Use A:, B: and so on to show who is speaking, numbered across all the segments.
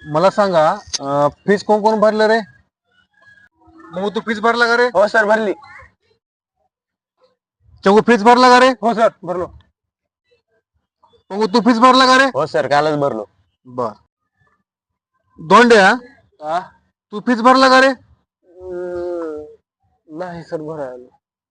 A: मला सांगा फीस कोण कोण भरलं रे? मग तू फीस भरला का रे?
B: हो सर भरली.
A: चंगू फीस भरला का रे?
B: हो सर भरलो.
A: मग तू फीस भरला का रे?
B: हो सर कालच भरलो.
A: बर. दोंड्या
B: हा
A: तू फीस भरला का रे?
B: नाही सर भरायला.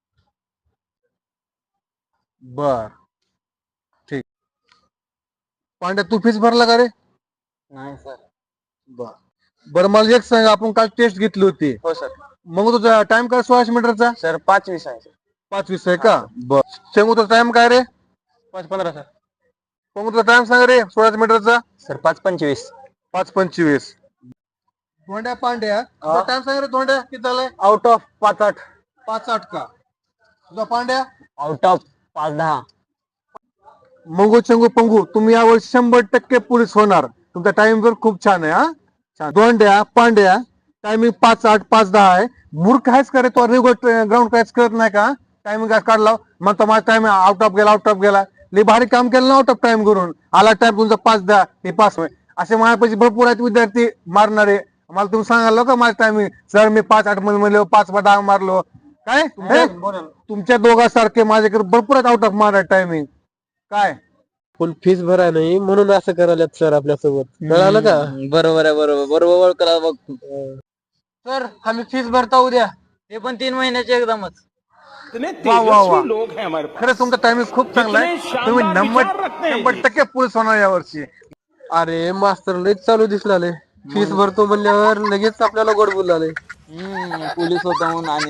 A: बर ठीक. पांड्या तू फीस भरला का रे?
B: नाही सर.
A: बर. बरं मला एक सांग, आपण काल टेस्ट घेतली होती,
B: हो सर.
A: मग तुझा टाइम काय 1600 मीटरचा?
B: सर 5-20 आहे सर.
A: 5:20 आहे का? बर. शेंगू तुझा टाइम काय रे?
B: 5-15 सर.
A: मग तुझा टाइम सांग रे 1600 मीटरचा?
B: सर 5-25.
A: 5:25. धोंड्या पांड्या तुझा टाइम सांग रे. धोंड्या किती झालाय?
B: Out of 5-8.
A: 5:08 का? तुझा पांड्या?
B: Out of 5-10.
A: मंगू चंगू पंगू तुम्ही यावर्षी 100% पोलीस होणार. तुमचा टाइम जर खूप छान आहे. हा छान. दोंड्या पांड्या टायमिंग 5:08 5:10 आहे. मूर्ख आहेस का रे? तो रेग्युलर ग्राउंड काहीच करत नाही का? टायमिंग काढला मग माझा टाइम आउट ऑफ गेला. लई भारी काम केलं ना आउट ऑफ टाइम करून. आला टाइम तुमचा 5:10 हे पास होय. असे माझ्यापाशी भरपूर आहेत विद्यार्थी मारणारे. मला तुम्ही सांगाल का माझं टायमिंग? सर मी 5:08 मध्ये म्हणलो 5:10 मारलो काय? तुमच्या दोघांसारखे माझ्याकडे भरपूर आहेत आउट ऑफ मारा टायमिंग. काय
C: फुल फीस भराय नाही म्हणून असं करायला सर आपल्यासोबत. कळालं का?
B: बरोबर आहे. बरोबर करा बघ. सर आम्ही फीस भरता उद्या. ते पण 3 महिन्याचे एकदमच.
A: वा वा वा. खरंच तुमचा टायमिंग खूप चांगला आहे. तुम्ही 100% पोलीस होणार यावर्षी.
C: अरे मास्तर लयच चालू दिसलाले. फीस भरतो म्हणल्यावर लगेच आपल्याला गोड बोललाले.
B: पोलीस होता म्हणून. आणि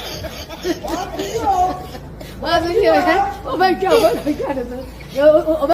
D: Oh my God.